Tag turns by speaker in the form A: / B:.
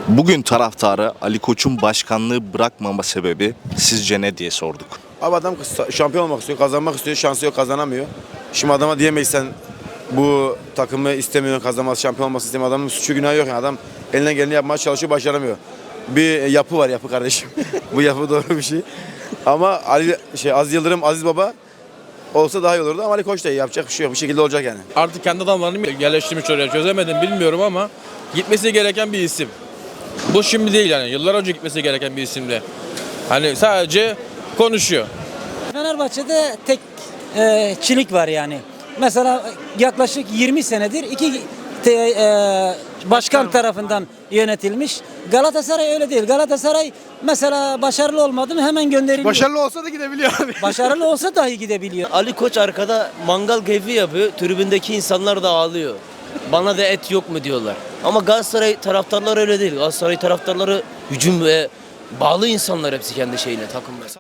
A: Bugün taraftarı Ali Koç'un başkanlığı bırakmama sebebi sizce ne diye sorduk.
B: Abi adam şampiyon olmak istiyor, kazanmak istiyor, şansı yok, kazanamıyor. Şimdi adama diyemeyiz sen bu takımı istemiyorsun, kazanması, şampiyon olması istemiyor. Adamın suçu günahı yok yani. Adam elinden geleni yapmaya çalışıyor, başaramıyor. Bir yapı var, yapı kardeşim. Bu yapı doğru bir şey. Ama Aziz Yıldırım, Aziz Baba olsa daha iyi olurdu ama Ali Koç da iyi, yapacak bir şey yok. Bir şekilde olacak yani.
C: Artık kendi adamlarını mı yerleştirmiş oraya çözemedim bilmiyorum ama gitmesi gereken bir isim. Bu şimdi değil yani yıllar önce gitmesi gereken bir isimdi. Hani sadece konuşuyor.
D: Fenerbahçe'de tek çilik var yani. Mesela yaklaşık 20 senedir iki başkan tarafından yönetilmiş. Galatasaray öyle değil. Galatasaray mesela başarılı olmadı mı hemen gönderiliyor.
E: Başarılı olsa da gidebiliyor abi.
D: Başarılı olsa dahi gidebiliyor.
F: Ali Koç arkada mangal keyfi yapıyor. Tribündeki insanlar da ağlıyor. Bana da et yok mu diyorlar. Ama Galatasaray taraftarları öyle değil. Galatasaray taraftarları hücum ve bağlı insanlar hepsi kendi şeyine, takımına.